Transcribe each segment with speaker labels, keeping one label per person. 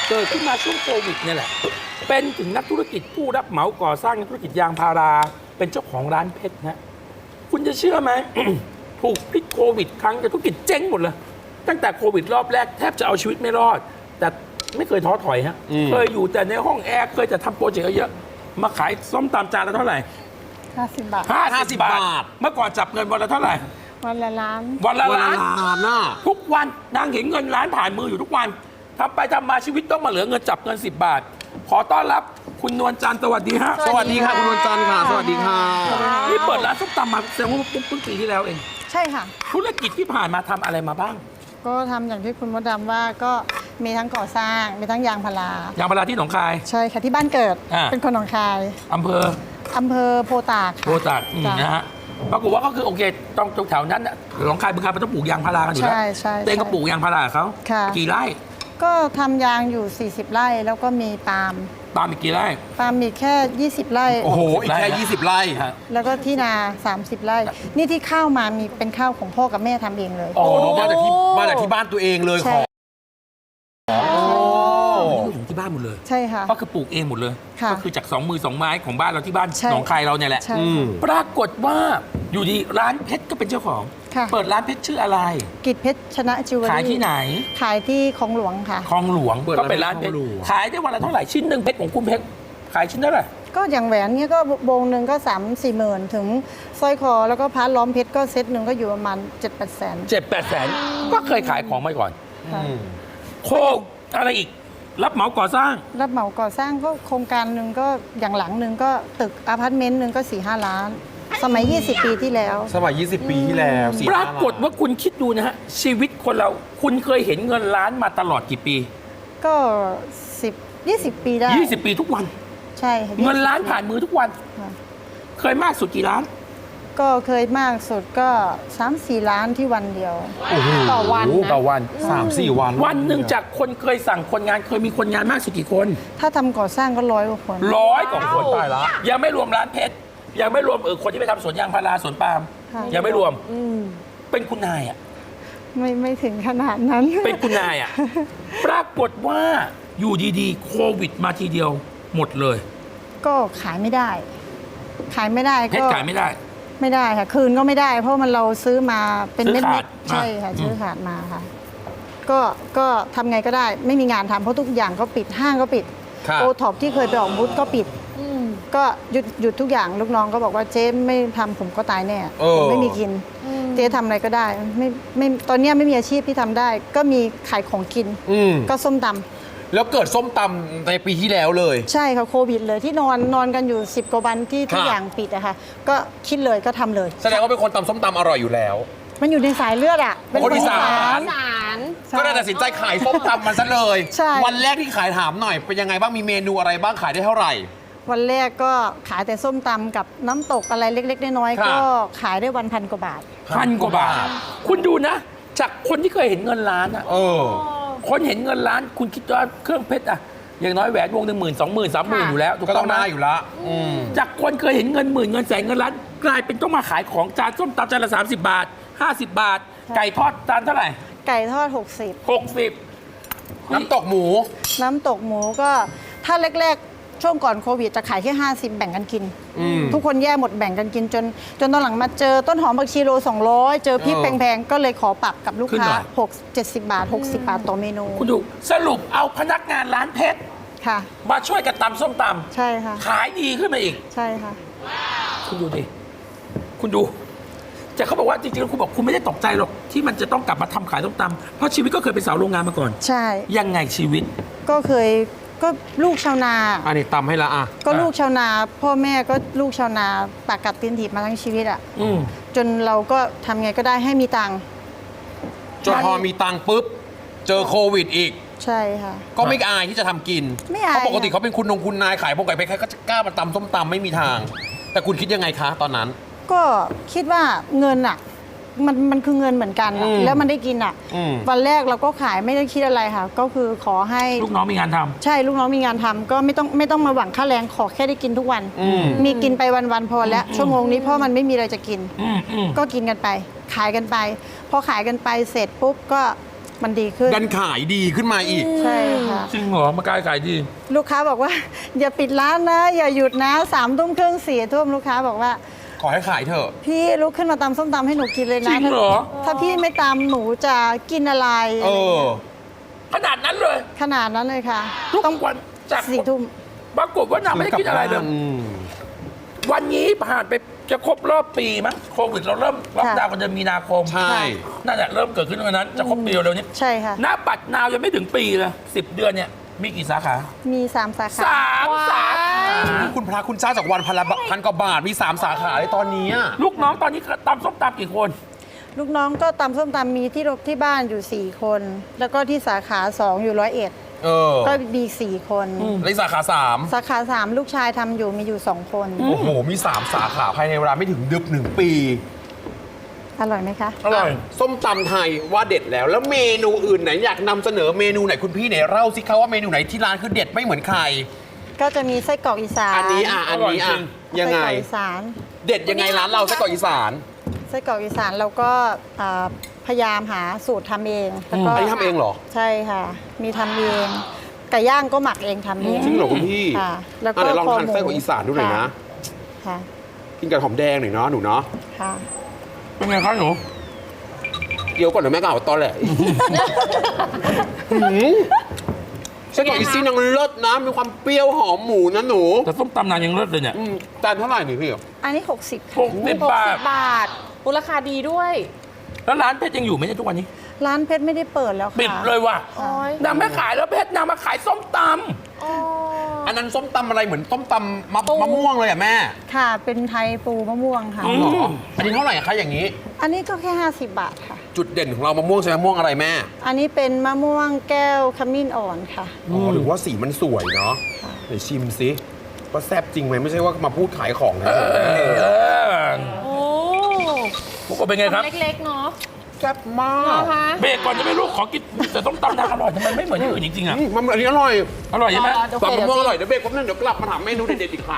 Speaker 1: เกิดขึ้นมาช่วงโควิดเนี่ยแหละเป็นถึงนักธุรกิจผู้รับเหมาก่อสร้างธุรกิจยางพาราเป็นเจ้าของร้านเพชรนะคุณจะเชื่อไหม ถูกพิษโควิดครั้งธุรกิจเจ๊งหมดเลยตั้งแต่โควิดรอบแรกแทบจะเอาชีวิตไม่รอดแต่ไม่เคยท้อถอยฮะเคยอยู่แต่ในห้องแอร์เคยแต่ทำโปรเจกต์เยอะมาขายส้มตำจานละเท่าไหร่
Speaker 2: 50 บาท
Speaker 1: 50 บาทเมื่อก่อนจับเงินวันละเท่าไหร่
Speaker 2: วันละล้าน
Speaker 1: วันละล้าน
Speaker 3: น่ะ
Speaker 1: ทุกวันนางเห็นเงินล้านผ่านมืออยู่ทุกวันทำไปทำมาชีวิตต้องมาเหลือเงินจับเงิน10 บาทขอต้อนรับคุณนวลจันทร์สวัสดีฮะ
Speaker 3: สวัสดีค่ะคุณนวลจันทร์ค่ะสวัสดีค่ะ
Speaker 1: นี่เปิดร้านส้มตำมาแสดงว่าเพิ่งปีที่แล้วเอง
Speaker 2: ใช่ค่ะ
Speaker 1: ธุรกิจที่ผ่านมาทำอะไรมาบ้าง
Speaker 2: ก็ทำอย่างที่คุณมดดำว่าก็มีทั้งก่อสร้างมีทั้งยางพาราย
Speaker 1: างพาราที่หนองคาย
Speaker 2: ใช่ค่ะที่บ้านเกิด
Speaker 1: อ่า
Speaker 2: เป็นคนหนองคาย
Speaker 1: อำเภอ
Speaker 2: อำเภอโพตาก
Speaker 1: โพตัด
Speaker 2: จ้ะ
Speaker 1: นะฮะปรากฏว่าก็คือโอเคตรงแถวนั้นน่ะหนองคายบึงกาฬมันต้องปลูกยางพารากันอยู่แล้ว
Speaker 2: ใช่
Speaker 1: เต้งก็ปลูกยางพาราเขา
Speaker 2: ค่ะ
Speaker 1: กี่ไร่
Speaker 2: ก็ทำยางอยู่ 40 ไร่แล้วก็มีปาล์ม
Speaker 1: ปาล์มอีกกี่ไร่
Speaker 2: ปาล์มมีแค่ 20 ไร่
Speaker 3: โอ้โห อีกแค่ 20 ไร่
Speaker 1: ฮะ
Speaker 2: แล้วก็ที่นา 30 ไร่ นี่ที่ข้าวมามีเป็นข้าวของพ่อกับแม่ทำเองเลย
Speaker 1: โอ้
Speaker 3: โอ้มาจากที่บ้านตัวเองเลย
Speaker 2: ใช่
Speaker 3: ของโอ้
Speaker 1: นี่ถึงที่บ้านหมดเลย
Speaker 2: ใช่ค่ะ
Speaker 1: ก็คือปลูกเองหมดเลย
Speaker 2: ค่ะ
Speaker 1: ก็คือจาก2 มือ 2 ไม้ของบ้านเราที่บ้าน
Speaker 2: ใช่
Speaker 1: หนองคายเราเนี่ยแหละ
Speaker 2: ใช่
Speaker 3: อืม
Speaker 1: ปรากฏว่าอยู่ดีร้านเพชรก็เป็นเจ้าของ
Speaker 2: ค่ะ
Speaker 1: เปิดร้านเพชรชื่ออะไร
Speaker 2: กิจเพชรชนะจิวเวลรี่
Speaker 1: ขายที่ไหน
Speaker 2: ขายที่คลองหลวงค่ะ
Speaker 1: คลองหลวง
Speaker 3: เปิด
Speaker 1: ก็
Speaker 3: ร้าน
Speaker 1: เป็นร้านเพชร
Speaker 3: คลองหลวง
Speaker 1: ขายได้วันละเท่าไหร่ชิ้นหนึ่งเพชรของคุณเพชรขายชิ้นเท่าไหร่
Speaker 2: ก็อย่างแหวนเนี้ยก็วงหนึ่งก็3-4หมื่นถึงสร้อยคอแล้วก็พาร์ทล้อมเพชรก็เซตหนึ่งก็อยู่ประมาณ7-8 แสน
Speaker 1: 7-8 แสนก็เคยขายของมาก่อน
Speaker 2: ค่ะ
Speaker 1: โคกอะไรอีก รับเหมาก่อสร้าง
Speaker 2: รับเหมาก่อสร้างก็โครงการหนึ่งก็อย่างหลังหนึ่งก็ตึกอพาร์ตเมนต์หนึ่งก็ 4-5 ล้าน สมัย 20 ปีที่แล้ว
Speaker 3: สมัย 20 ปีที่แล้ว4
Speaker 1: ปรากฏว่าคุณคิดดูนะฮะ ชีวิตคนเราคุณเคยเห็นเงินล้านมาตลอดกี่ปี
Speaker 2: ก็10-20 ปีได้
Speaker 1: 20 ปีทุกวัน
Speaker 2: ใช่ค่ะ
Speaker 1: เงินล้านผ่านมือทุกวัน
Speaker 2: ค่ะ
Speaker 1: เคยมากสุดกี่ล้าน
Speaker 2: ก็เคยมากสุดก็ 3-4 ล้านที่วันเดียว
Speaker 3: โอ้โห
Speaker 2: ต่อวันนะ
Speaker 1: ต่อวัน
Speaker 3: 3-4 วัน
Speaker 1: วันหนึ่งจากคนเคยสั่งคนงานเคยมีคนงานมากสุดกี่คน
Speaker 2: ถ้าทำก่อสร้างก็100 กว่าคน
Speaker 1: 100 กว่าคน
Speaker 3: ตายละ
Speaker 1: ยังไม่รวมร้านเพชรยังไม่รวมคนที่ไปทำสวนยางพาราสวนปาล์ม
Speaker 2: ค่ะ
Speaker 1: ยังไม่รวมเป็นคุณนายอ่ะ
Speaker 2: ไม่ถึงขนาดนั้น
Speaker 1: เป็นคุณนายอ่ะ ปรากฏว่าอยู่ดีๆ โควิดมาทีเดียวหมดเลย
Speaker 2: ก็ขายไม่ได้ ขายไม่ได้
Speaker 1: เพช
Speaker 2: ก็
Speaker 1: รขายไม่ได้
Speaker 2: ไม่ได้ค่ะ คืนก็ไม่ได้ เพราะมันเราซื้อมาเป็น
Speaker 1: ซื้
Speaker 2: เม็
Speaker 1: อ
Speaker 2: ด
Speaker 1: ขาด
Speaker 2: ๆใช่ค่ะ
Speaker 1: อืม
Speaker 2: ซื้อขาดมาค่ะ ก็ทำไงก็ได้ ไม่มีงานทำเพราะทุกอย่างก็ปิดห้างก็ปิด
Speaker 3: ครับ
Speaker 2: โอท็อปที่เคยไปออกบูธก็ปิดก็หยุดทุกอย่างลูกน้องก็บอกว่าเจ๊ไม่ทำผมก็ตายแน่
Speaker 3: เออ
Speaker 2: ผมไม่มีกิน เจ๊ทำอะไรก็ได้ไม่ตอนเนี้ยไม่มีอาชีพที่ทำได้ ก็มีขายของกิน
Speaker 3: อืม
Speaker 2: ก็ส้มตำ
Speaker 3: แล้วเกิดส้มตำในปีที่แล้วเลย
Speaker 2: ใช่ค่ะโควิดเลยที่นอนกันอยู่ 10 กว่าวันที่ทุก
Speaker 3: ค่ะ
Speaker 2: อย่างปิดอะค่ะก็คิดเลยก็ทำเลย
Speaker 3: แสดงว่าเป็นคนตำส้มตำอร่อยอยู่แล้ว
Speaker 2: มันอยู่ในสายเลือดอะเป็น
Speaker 3: คนอีสาน
Speaker 2: ใช่
Speaker 3: ก็เลยตัดสินใจขายส้มตำมันซะเลย
Speaker 2: ใช่
Speaker 3: วันแรกที่ขายถามหน่อย เป็นยังไงบ้างมีเมนูอะไรบ้างขายได้เท่าไหร่
Speaker 2: วันแรกก็ขายแต่ส้มตำกับน้ำตกอะไรเล็กๆน้อย
Speaker 3: ค่ะ
Speaker 2: ๆก็ขายได้วัน1,000 กว่าบาท
Speaker 1: 1,000 กว่าบาท คุณดูนะ จากคนที่เคยเห็นเงินล้านอ่ะ
Speaker 3: เออ
Speaker 1: คนเห็นเงินล้าน คุณคิดว่าเครื่องเพชรอ่ะอย่างน้อยแหวนวงหนึ่ง10,000 20,000 30,000อยู่แล้วถูก
Speaker 3: ก็
Speaker 1: ต้
Speaker 3: ต้
Speaker 1: อ
Speaker 3: อง ง
Speaker 1: ไหม
Speaker 3: ได้อยู่ละอืม
Speaker 1: จากคนเคยเห็นเงินหมื่นเงินแสนเงินล้านกลายเป็นต้องมาขายของจานส้มตำจานละ30 บาท 50 บาท ไก่ทอดจานเท่าไหร่
Speaker 2: ไก่ทอด
Speaker 1: 60
Speaker 3: น้ำตกหมู
Speaker 2: 60 น้ำตกหมูก็ถ้าแรกๆ ช่วงก่อนโควิดจะขายแค่50 แบ่งกันกิน
Speaker 3: อืม
Speaker 2: ทุกคนแย่หมดแบ่งกันกินจนตอนหลังมาเจอต้นหอมผักชีโล200 เจอพริก
Speaker 3: เออ
Speaker 2: แพงๆ ก็เลยขอปรับกับลูก
Speaker 1: ขึ้น
Speaker 2: ค้า
Speaker 1: หน่อย
Speaker 2: 70 บาท 60 บาทต่อเมนู
Speaker 1: คุณดูสรุปเอาพนักงานร้านเพชร
Speaker 2: ค่ะ
Speaker 1: มาช่วยกันตำส้มต
Speaker 2: ใช่ค่ะ
Speaker 1: ำขายดีขึ้นมาอีก
Speaker 2: ใช่ค่ะ
Speaker 1: คุณดูดิ คุณดูแต่เขาบอกว่าจริงๆแล้วคุณบอกคุณไม่ได้ตกใจหรอกที่มันจะต้องกลับมาทำขายส้มตำเพราะชีวิตก็เคยเป็นสาวโรงงานมาก่อน
Speaker 2: ใช่
Speaker 1: ยังไงชีวิต
Speaker 2: ก็เคยก็ลูกชาวนา
Speaker 3: อันนี้ตำให้ละอ่ะ
Speaker 2: ก็ลูกชาวนา พ่อแม่ก็ลูกชาวนาปากกัดตีนถีบมาทั้งชีวิตอ่ะ
Speaker 1: อืม
Speaker 2: จนเราก็ทำไงก็ได้ให้มีตังค์
Speaker 3: จนพอมีตังค์ปุ๊บ เจอโควิดอีก
Speaker 2: ใช่ค่ะ
Speaker 3: ก็ไม่อายที่จะทำกิน
Speaker 2: ไม่อาย
Speaker 3: เพราะปกติเขาเป็นคุณนายขายพวกไก่เพชรใครก็จะกล้ามาตำส้มตำไม่มีทาง แต่คุณคิดยังไงคะตอนนั้น
Speaker 2: ก็คิดว่าเงินอ่ะมันคือเงินเหมือนกันอะ
Speaker 3: อืม
Speaker 2: แล้วมันได้กินอ่ะ
Speaker 3: อืม
Speaker 2: วันแรกเราก็ขายไม่ได้คิดอะไรค่ะ ก็คือขอให้
Speaker 1: ลูกน้องมีงานทำ
Speaker 2: ใช่ลูกน้องมีงานทำก็ไม่ต้องมาหวังค่าแรงขอแค่ได้กินทุกวัน
Speaker 3: อืม
Speaker 2: มีกินไปวันๆพอแล้วชั่วโมงนี้เพราะมันไม่มีอะไรจะกิน
Speaker 1: อืม
Speaker 2: ก็กินกันไป ขายกันไป พอขายกันไปเสร็จปุ๊บก็มันดีขึ้น
Speaker 3: ดันขายดีขึ้นมาอีก
Speaker 2: ใช่ค่ะ
Speaker 1: จริงเหรอ มากายขายดี
Speaker 2: ลูกค้าบอกว่า อย่าปิดร้านนะ อย่าหยุดนะ3 ทุ่มครึ่ง4 ทุ่มลูกค้าบอกว่า
Speaker 3: ขอให้ขายเถอะ
Speaker 2: พี่ลุกขึ้นมาตำส้มตำให้หนูกินเลย
Speaker 1: จริ
Speaker 2: นะ
Speaker 1: งเหรอ
Speaker 2: ถ้าพี่ไม่ตำหนูจะกินอะไร
Speaker 3: เออ
Speaker 1: ขนาดนั้นเลย
Speaker 2: ขนาดนั้นเลยค่ะ
Speaker 1: ทุกวันจาก
Speaker 2: 4 ทุ่ม
Speaker 1: ปรากฏว่านางไม่ได้กินอะไรเลย วันนี้ผ่านไปจะครบรอบปีมั้งโควิดเราเริ่มล็อกดาวน์กันเดือนมีนาคม
Speaker 3: ใช่
Speaker 1: นั่นแหละเริ่มเกิดขึ้นวันนั้นจะครบปีเร็วๆนี้
Speaker 2: ใช่ค่ะ
Speaker 1: หน้าปัดนาวยังไม่ถึงปีเลย10 เดือนเนี่ยมีกี่สาขา
Speaker 2: มี3 สาขา
Speaker 1: 3 สาขา
Speaker 3: คุณพระคุณเจ้าจากวันพันกว่าบาทมี 3 สาขาเลยตอนนี้อะ
Speaker 1: ลูกน้องตอนนี้ตำส้มตำกี่คน
Speaker 2: ลูกน้องก็ตำส้มตำมีที่บ้านอยู่4 คน แล้วก็ที่สาขา2อยู่101
Speaker 3: เออ
Speaker 2: ก็มี4 คน
Speaker 3: และสาขา 3
Speaker 2: สาขา 3 ลูกชายทำอยู่มีอยู่2 คน
Speaker 3: โอ้โห มี 3 สาขาภายในเวลาไม่ถึง1 ปี
Speaker 2: อร่อยไหมคะ
Speaker 1: อร่อย
Speaker 3: ส้มตำไทยว่าเด็ดแล้ว แล้วเมนูอื่นไหนอยากนำเสนอเมนูไหนคุณพี่ไหนเล่าสิคะว่าเมนูไหนที่ร้านคือเด็ดไม่เหมือนใคร
Speaker 2: ก็จะมีไส้กรอกอีสาน
Speaker 3: อันนี้ยังไง
Speaker 2: ไส้กรอกอีสาน
Speaker 3: เด็ดยังไงร้านเราไส้กรอกอีสาน
Speaker 2: ไส้กรอกอีสานเราก็พยายามหาสูตรทำเองแล้วก็
Speaker 3: อันนี้ทำเองเหรอ
Speaker 2: ใช่ค่ะ มีทำเองไก่ย่างก็หมักเองทำเอง
Speaker 3: จริงเหรอคุณพี่
Speaker 2: ค่ะ แล้วก็
Speaker 3: เดี๋ยวลอง
Speaker 2: คอ
Speaker 3: ทาน
Speaker 2: หมู
Speaker 3: ไส้กรอกอีสานดูหน่อยนะ
Speaker 2: ค่ะ
Speaker 3: กินกับหอมแดงหน่อยเนาะหนูเนาะ
Speaker 2: ค่ะ
Speaker 1: เป็นไงครับหนู
Speaker 3: เดี๋ยวก่อนเดี๋ยวแม่ก็เอาตอนแหละไส้กรอกอีซี่นางเลิศนะ มีความเปรี้ยวหอมหมูนะหนู
Speaker 1: แต่ส้มตำนางยังเลิศเลยเนี่ย
Speaker 3: จานเท่าไหร่นี่พี่
Speaker 2: อันนี้ 60
Speaker 1: 60 บาท
Speaker 4: บาทมูลค่าดีด้วย
Speaker 1: แล้วร้านเพชรยังอยู่ไหมเนี่ยทุกวันนี้
Speaker 2: ร้านเพชรไม่ได้เปิดแล้วค่ะ
Speaker 1: ปิดเลยว่ะ
Speaker 4: โอ้ย
Speaker 1: นางไม่ขายแล้วเพชรนางมาขายส้มต
Speaker 4: อ๋อ
Speaker 3: อันนั้นส้มตำอะไรเหมือนส้มตำมะม่วงเลยอ่ะแม่
Speaker 2: ค่ะ เป็นไทยปูมะม่วงค่ะ
Speaker 1: อื
Speaker 3: เหรออันนี้เท่าไหร่คะอย่างนี้
Speaker 2: อันนี้ก็แค่ 50 บาทค่ะ
Speaker 3: จุดเด่นของเรามะม่วงใช่มะม่วงอะไรแม่
Speaker 2: อันนี้เป็นมะม่วงแก้วขมิ้นอ่อนค่ะ
Speaker 3: อ๋อถึงว่าสีมันสวยเนาะเดี๋ยวชิมสิว่าแซ่บจริงไหมไม่ใช่ว่ามาพูดขายของนะ
Speaker 1: ำเออ
Speaker 4: โอ้
Speaker 1: พวกเราเป็นไงครับ
Speaker 4: เล็กๆเนาะ
Speaker 3: แซ่บมา
Speaker 4: เหร
Speaker 3: ก
Speaker 4: อคะ
Speaker 1: เบรกก่อนจะไม่รู้ขอกินแต่ส้มตำนางอร่อยทำไมไม่เหมือนที่อื่นจริงๆอ่ะ
Speaker 3: มันอันนี้อร่อย
Speaker 1: อร่อยใช่ไหม
Speaker 4: โอเค
Speaker 3: ตำมะม่วงอร่อย
Speaker 4: เดี๋ยว
Speaker 3: เดี๋ยวเบรกแป๊บนึงเดี๋ยวกลับมาถามเมนูเด็ดๆอีกค่ะ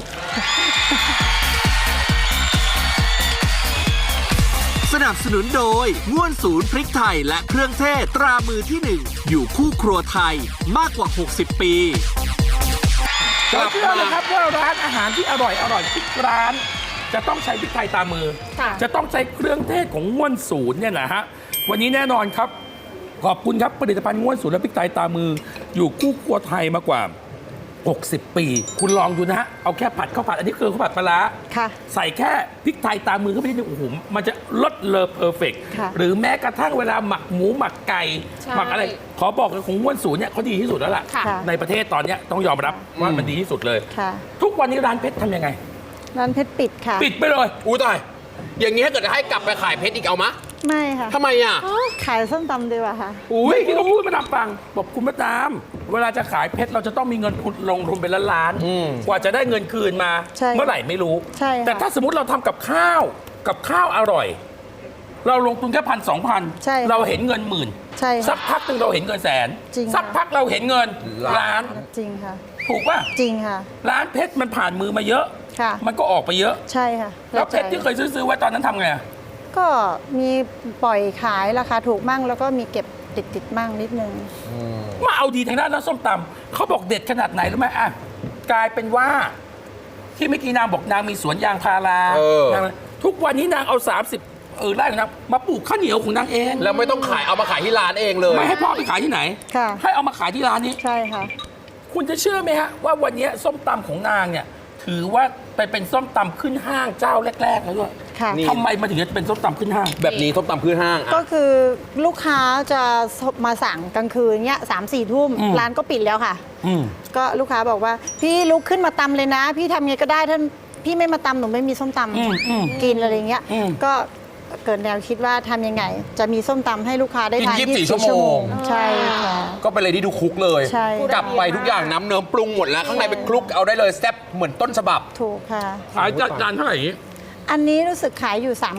Speaker 5: สนับสนุนโดยง่วนศูนย์พริกไทยและเครื่องเทศตรามือที่ 1 อยู่คู่ครัวไทยมากกว่า 60 ปี
Speaker 3: กลั
Speaker 1: เรา
Speaker 3: บ
Speaker 1: เชื่อ
Speaker 3: มา
Speaker 1: เลยครับว่าร้านอาหารที่อร่อยทุกร้าน จะต้องใช้พริกไทยตามมือ
Speaker 4: ค่ะ
Speaker 1: จะต้องใช้เครื่องเทศของง่วนศูนย์เนี่ยนะฮะวันนี้แน่นอนครับ ขอบคุณครับผลิตภัณฑ์ง่วนศูนย์และพริกไทยตามมือ อยู่คู่ครัวไทยมากว่า 60 ปี คุณลองดูนะฮะเอาแค่ผัดข้าวผัดอันนี้คือข้าวผัดปลาร้า
Speaker 2: ค่ะ
Speaker 1: ใส่แค่พริกไทยตามมือเข้าไปนิดนึงโอ้โหมันจะลดเลอเพอร์เฟก
Speaker 2: ค่ะ
Speaker 1: หรือแม้กระทั่งเวลาหมักหมูหมักไก่
Speaker 4: ใช่
Speaker 1: หมักอะไร ขอบอกเลยของง่วนศูนย์เนี่ยเขาดีที่สุดแล้วล่ะ
Speaker 4: ค่ะ
Speaker 1: ในประเทศตอนเนี้ยต้องยอมรับว่ามันดีที่สุดเลย
Speaker 2: ค่ะ
Speaker 1: ทุกวันนี้ร้านเพชรทำยังไง
Speaker 2: ร้านเพชรปิดค่ะ
Speaker 1: ปิดไปเลย
Speaker 3: อู้ตาย อย่างนี้ถ้าเกิดจะให้กลับไปขายเพชรอีกเอามะ
Speaker 2: ไม่ค่ะ
Speaker 3: ทำไมอ่ะ
Speaker 2: ขายส้มตำดีกว่าค่ะ
Speaker 1: อุ้ยที่เขาพูดมาดามฟังบอกคุณมาดามเวลาจะขายเพชรเราจะต้องมีเงินทุนลงทุนเป็นล้าน
Speaker 3: อืม
Speaker 1: กว่าจะได้เงินคืนมา
Speaker 2: ใช่
Speaker 1: เมื่อไหร่ไม่รู้
Speaker 2: ใช่ค่ะ
Speaker 1: แต่ถ้าสมมติเราทำกับข้าวอร่อย เราลงทุนแค่1,000-2,000
Speaker 2: ใช่ค่ะ
Speaker 1: เราเห็นเงินหมื่น
Speaker 2: ใช่ค่ะ
Speaker 1: สักพักหนึ่งเราเห็นเงินแสน
Speaker 2: จริงค่ะ
Speaker 1: สักพักเราเห็นเงินล้าน
Speaker 2: จริงค่ะ
Speaker 1: ถูกป่ะ
Speaker 2: จริงค่ะ
Speaker 1: ร้านเพชรมันผ่านมือมาเยอะ
Speaker 2: ค่ะ
Speaker 1: มันก็ออกไปเยอะ
Speaker 2: ใช่ค่ะ
Speaker 1: แล้วเพชรที่เคยซื้อไว้ตอนนั้นทำไงอะ
Speaker 2: ก็มีปล่อยขายราคาถูกมั่ง แล้วก็มีเก็บติดมั่งนิดนึง
Speaker 1: มาเอาดีทางด้านน้ำส้มตำเขาบอกเด็ดขนาดไหนรู้ไหมอ่ะกลายเป็นว่า ที่เมื่อกี้นางบอกนางมีสวนยางพารา
Speaker 3: เออ
Speaker 1: นางทุกวันนี้นางเอา30ไร่ของนางมาปลูกข้าวเหนียวของนางเอง
Speaker 3: แล้วไม่ต้องขายเอามาขายที่ร้านเองเลย
Speaker 1: ไม่ให้พ่อไปขายที่ไหน
Speaker 2: ค่ะ
Speaker 1: ให้เอามาขายที่ร้านนี้
Speaker 2: ใช่ค่ะ
Speaker 1: คุณจะเชื่อไหมฮะว่าวันนี้ส้มตำของนางเนี่ยถือว่าไปเป็นส้มตำขึ้นห้างเจ้าแรกๆแล้วด้วย
Speaker 2: ค่ะ
Speaker 3: นี่
Speaker 1: ทำไมมันถึงจะเป็นส้มตำขึ้นห้าง
Speaker 3: แบบนี้ส้มตำพื้นห้าง
Speaker 2: ก็
Speaker 3: อ่ะ
Speaker 2: คือลูกค้าจะมาสั่งกลางคืนเนี้ย3-4 ทุ่ม
Speaker 1: อืม
Speaker 2: ร้านก็ปิดแล้วค่ะ
Speaker 1: อืม
Speaker 2: ก็ลูกค้าบอกว่า พี่ลุกขึ้นมาตำเลยนะ พี่ทำไงก็ได้ถ้าพี่ไม่มาตำหนูไม่มีส้มต
Speaker 1: อืมอืม
Speaker 2: ำกินอะไรเงี้ย
Speaker 1: อืม
Speaker 2: ก็เกิดแนวคิดว่าทำยังไง จะมีส้มตำให้ลูกค้าได้ทาน
Speaker 3: กิน24
Speaker 2: 24
Speaker 3: ชั่วโมง
Speaker 2: ใช่ค่ะ
Speaker 3: ก็เป็นอะไรที่ดูคุกเลย
Speaker 2: ใช่
Speaker 3: กลับไปทุกอย่างน้ำเนิ้มปรุงหมดแล้ว ข้างในเป็นคลุกเอาได้เลยแซ่บเหมือนต้นฉบับ
Speaker 2: ถูกค่ะ
Speaker 1: ขายจานเท่าไหร่อย่างนี้
Speaker 2: อันนี้รู้สึกขายอยู่ 39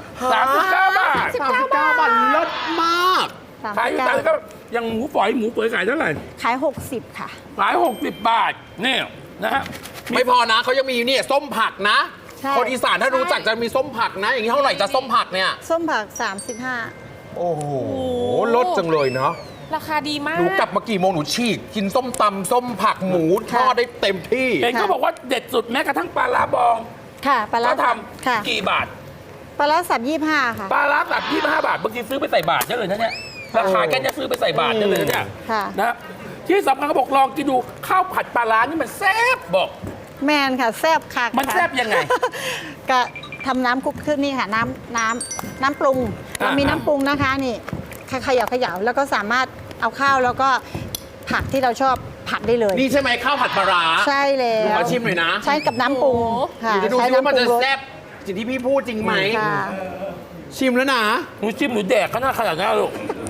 Speaker 1: 39 บาท
Speaker 3: 39 บาทเลิศมาก
Speaker 1: ขายอยู่จานก็ยังหมูฝอยหมูเปื่อยขายเท่าไหร่
Speaker 2: ขาย 60 ค่ะ
Speaker 1: ขาย60 บาทนี่นะฮะ
Speaker 3: ไม่พอนะเขายังมีเนี่ยส้มผักนะ
Speaker 2: ใช่
Speaker 3: คนอีสานถ้ารู้จักจะมีส้มผักนะ อย่างนี้เท่าไหร่จะส้มผักเนี่ย
Speaker 2: ส้มผัก 35
Speaker 3: โอ้โหลดจังเลยเนาะ
Speaker 4: ราคาดีมาก
Speaker 3: หนูกลับมากี่โมงหนูฉีกกินส้มตำส้มผักหมูทอดได้เต็มที่
Speaker 1: เห็นเขาบอกว่าเด็ดสุดแม้กระทั่งปลาร้าบอง
Speaker 2: ค่ะปลาร้า
Speaker 1: เขาท
Speaker 2: ค่ะ
Speaker 1: ำกี่บาท
Speaker 2: ปลาร้าสับ25ค่ะ
Speaker 1: ปลาร้าสับ25 บาทบางทีซื้อไปใส่บาทได้เลยนะเนี่ยราคาแค่เนี้ยซื้อไปใส่บาทได้เลยนะเนี่ย
Speaker 2: ค่ะ
Speaker 1: นะที่สำคัญเขาบอกลองกินดูข้าวผัดปลาร้านี่มันแซ่บบอก
Speaker 2: แมนค่ะแซ่บค่ะ
Speaker 1: มันแซ่บยังไง
Speaker 2: ก็ทำน้ำคลุกขึ้นนี่ค่ะน้ำปรุงเรามีน้ำปรุงนะคะนี่เขย่าแล้วก็สามารถเอาข้าวแล้วก็ผักที่เราชอบผัดได้เลย
Speaker 3: นี่ใช่ไหมข้าวผัดปลาร้า
Speaker 2: ใช่แล้
Speaker 3: หนู
Speaker 2: ว
Speaker 3: ขอชิมหน่อยนะ
Speaker 2: ใช้กับน้ำปรุงค่ะ
Speaker 3: เดี๋ยวจะดู
Speaker 2: ใช้
Speaker 3: ซิว่ามันจะ
Speaker 2: รส
Speaker 3: แซ่บสิ่งที่พี่พูดจริงไหม
Speaker 2: ค่ะ
Speaker 3: ชิมแล้วนะ
Speaker 1: หนูจิ้มหนูแดกขนาดนั้นลูก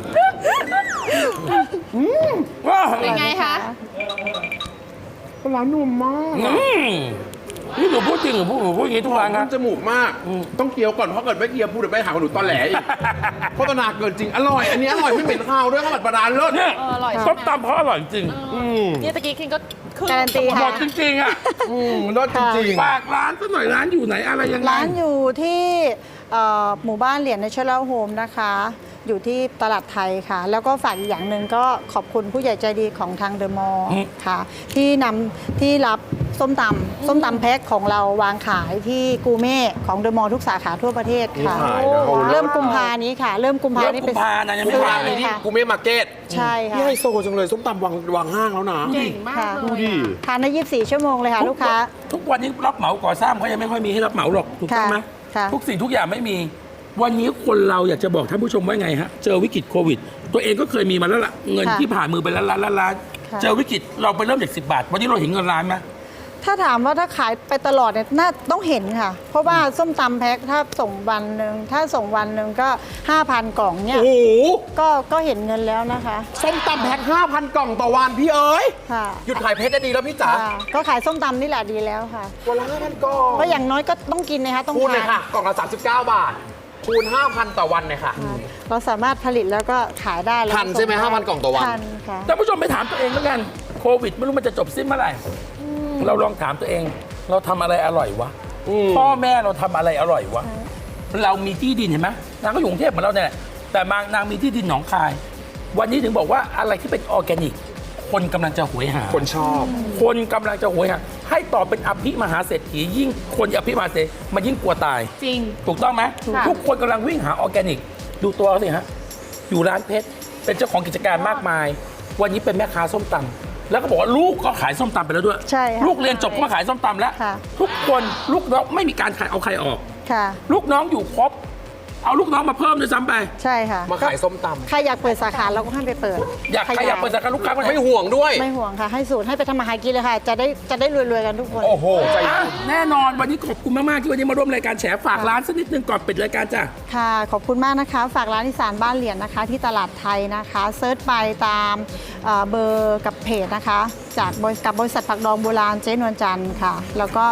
Speaker 1: ว้าว
Speaker 4: เป็นไงคะ
Speaker 3: ปลาร้านุ่มมาก
Speaker 1: นี่หนูพูดจริงหรือหนูพูดอย่างนี้ทุกครั้ง
Speaker 3: มั
Speaker 1: นะ
Speaker 3: นจมูกมาก ต้องเคี้ยวก่อนเพราะเกิดไม่เคี้ยวพูดเดี๋ยวไม่หาว่าหนูตอแหลอีกโฆษณาเกินจริง อร่อย อันนี้อร่อยไม่เหม็นคาวด้วยข้าวผัดปลาร้าเลิศ
Speaker 1: เนี่ย
Speaker 4: อร่อย
Speaker 1: ส้มตำเขาอร่อยจริง
Speaker 4: เนี่ยตะกี้คิงก็คือ
Speaker 2: การันตี
Speaker 1: หม
Speaker 2: ค่ะ
Speaker 1: ดจริงๆอ่ะ
Speaker 3: เลิศจริง
Speaker 1: ฝากร้านสักหน่อยร้านอยู่ไหนอะไรยังไง
Speaker 2: ร้านอยู่ที่หมู่บ้านเหรียญเนเชอรัลโฮมนะคะ อยู่ที่ตลาดไทยค่ะ แล้วก็ฝากอีกอย่างหนึ่งก็ขอบคุณผู้ใหญ่ใจดีของทางเดอะมอลล์ค่ะ ที่รับส้มตำแพ็คของเราวางขายที่กูเม่ของเดอะมอลล์ทุกสาขาทั่วประเทศค่ะ
Speaker 3: มีขายนะโอ้
Speaker 2: เริ่มกุมภานี้ค่ะ เริ่มกุมภานี้
Speaker 1: เริ่มกุมภานะยังไม่
Speaker 2: ซื้อ
Speaker 1: วาง
Speaker 2: ได้
Speaker 3: ๆ
Speaker 2: เลย
Speaker 3: ที่
Speaker 2: ค่ะ
Speaker 3: กูเม่มาร์เก็ต
Speaker 2: ใช่ค่ะ
Speaker 3: นี่ไฮโซจังเลยส้มตำวางห้างแล้วนะ
Speaker 4: เก่งมาก
Speaker 2: ค่ะ
Speaker 4: เลย
Speaker 3: ดูดิ
Speaker 4: อะ
Speaker 2: ทานได้24 ชั่วโมงเลยค่ะ ลูกค้า
Speaker 1: ทุกวันนี้รับเหมาก่อสร้างเขายังไม่ค่อยมีให้รับเหมาหรอกถูกต้องไหม
Speaker 2: ค่ะ
Speaker 1: ทุกสิ่งทุกอย่างไม่มี วันนี้คนเราอยากจะบอกท่านผู้ชมว่าไงฮะเจอวิกฤตโควิด ตัวเองก็เคยมีมาแล้วล่ะเงิน
Speaker 2: ค่ะ
Speaker 1: ที่ผ่านมือไปล้าน
Speaker 2: ค่ะ
Speaker 1: เจอวิกฤตเราไปเริ่มจาก10 บาท วันนี้เราเห็นเงินล้านไหม
Speaker 2: ถ้าถามว่าถ้าขายไปตลอดเนี่ยน่าต้องเห็นค่ะ เพราะว่าส้มตำแพ็คถ้าส่งวันหนึ่งก็ 5,000 กล่องเนี่ย
Speaker 3: โอ้โห
Speaker 2: ก็เห็นเงินแล้วนะคะ
Speaker 3: ส้มตำแพ็ค 5,000 กล่องต่อวันพี่เอ๋ย
Speaker 2: ค่ะ
Speaker 3: หยุดขายเพชรได้ดีแล้วพี่จ๋า
Speaker 2: ค่ะก็ขายส้มตำนี่แหละดีแล้วค่ะ
Speaker 3: วันละ 5,000 กล่อง
Speaker 2: ก็อย่างน้อยก็ต้องกินนะคะต้อง
Speaker 3: คูณเลย
Speaker 2: ทาน
Speaker 3: ค่ะ กล่องละ39 บาท คูณ 5,000 ต่อวันเลยค่ะ
Speaker 2: ค่ะเราสามารถผลิตแล้วก็ขายได้แล้ว
Speaker 3: ทันใช่ไหม
Speaker 2: ส่งด้
Speaker 3: 5,000 กล่องต่อวัน
Speaker 2: ทันค่ะ
Speaker 1: ท่านผู้ชมไปถามตัวเองแล้วกันโควิดไม่รู้มันจะจบสิ้นเมื่อไหร่เราลองถามตัวเอง เราทำอะไรอร่อยวะพ่อแม่เราทำอะไรอร่อยวะเรามีที่ดินเห็นไหมนางก็อยู่กรุงเทพเหมือนเราเนี่ยแหละแต่นางมีที่ดินหนองคาย วันนี้ถึงบอกว่าอะไรที่เป็นออร์แกนิก คนกำลังจะหวยหา
Speaker 3: คนชอบ
Speaker 1: คนกำลังจะหวยหาให้ต่อเป็นอภิมหาเศรษฐียิ่งคนอภิมหาเศรษฐีมันยิ่งกลัวตาย
Speaker 4: จริง
Speaker 1: ถูกต้องไหม
Speaker 4: ค่ะ
Speaker 1: ทุกคนกำลังวิ่งหาออร์แกนิก ดูตัวเขาสิฮะอยู่ร้านเพชรเป็นเจ้าของกิจการมากมาย วันนี้เป็นแม่ค้าส้มตำแล้วก็บอกว่าลูกก็ขายส้มตำไปแล้วด้วย
Speaker 2: ใช่ค่ะ
Speaker 1: ลูกเรียนจบก็มาขายส้มตำแล้ว
Speaker 2: ค่ะ
Speaker 1: ทุกคนลูกน้องไม่มีการขายเอาใครออก
Speaker 2: ค่ะ
Speaker 1: ลูกน้องอยู่ครบ เอาลูกน้องมาเพิ่มด้วยซ้ำไป
Speaker 2: ใช่ค่ะ
Speaker 3: มาขายส้มตำ
Speaker 2: ใครอยากเปิดสาขาเราก็ให้ไปเปิด
Speaker 1: ใครอยากเปิดสาขาลูกค้าคนไหน
Speaker 3: ไม่ห่วงด้วย
Speaker 2: ไม่ห่วงค่ะ ให้สูตรให้ไปทำมาหากินเลยค่ะ จะได้รวยๆกันทุกคน
Speaker 3: โอ้โห ใจ
Speaker 1: อ่ะ
Speaker 3: บุญ
Speaker 1: แน่นอนวันนี้ขอบคุณมาก ๆ ที่วันนี้มาร่วมรายการแฉฝากร้านสักนิดนึงก่อนปิดรายการจ้ะ
Speaker 2: ค่ะ ขอบคุณมากนะคะ ฝากร้านอีสานบ้านเหรียญนะคะ ที่ตลาดไทยนะคะเซิร์ชไปตามเบอร์กับเพจนะคะ จากบริษัทผักดองโบราณเจ๊นวลจันทร์ค่ะ แล้วก็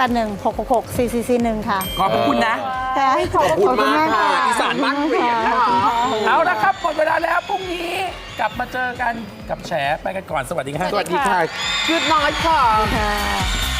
Speaker 2: 0816664441 ค่ะ
Speaker 1: ขอบพระคุณนะ
Speaker 3: ขอบคุณมากค่ะอีสานบ้านเหรียญนะคะ
Speaker 1: เอาละครับหมดเวลาแล้วพรุ่งนี้กลับมาเจอกันกับแฉไปกันก่อนสวัสดีครับ
Speaker 3: สวัสดีค่ะ Good night ค่ะ
Speaker 2: ค่ะ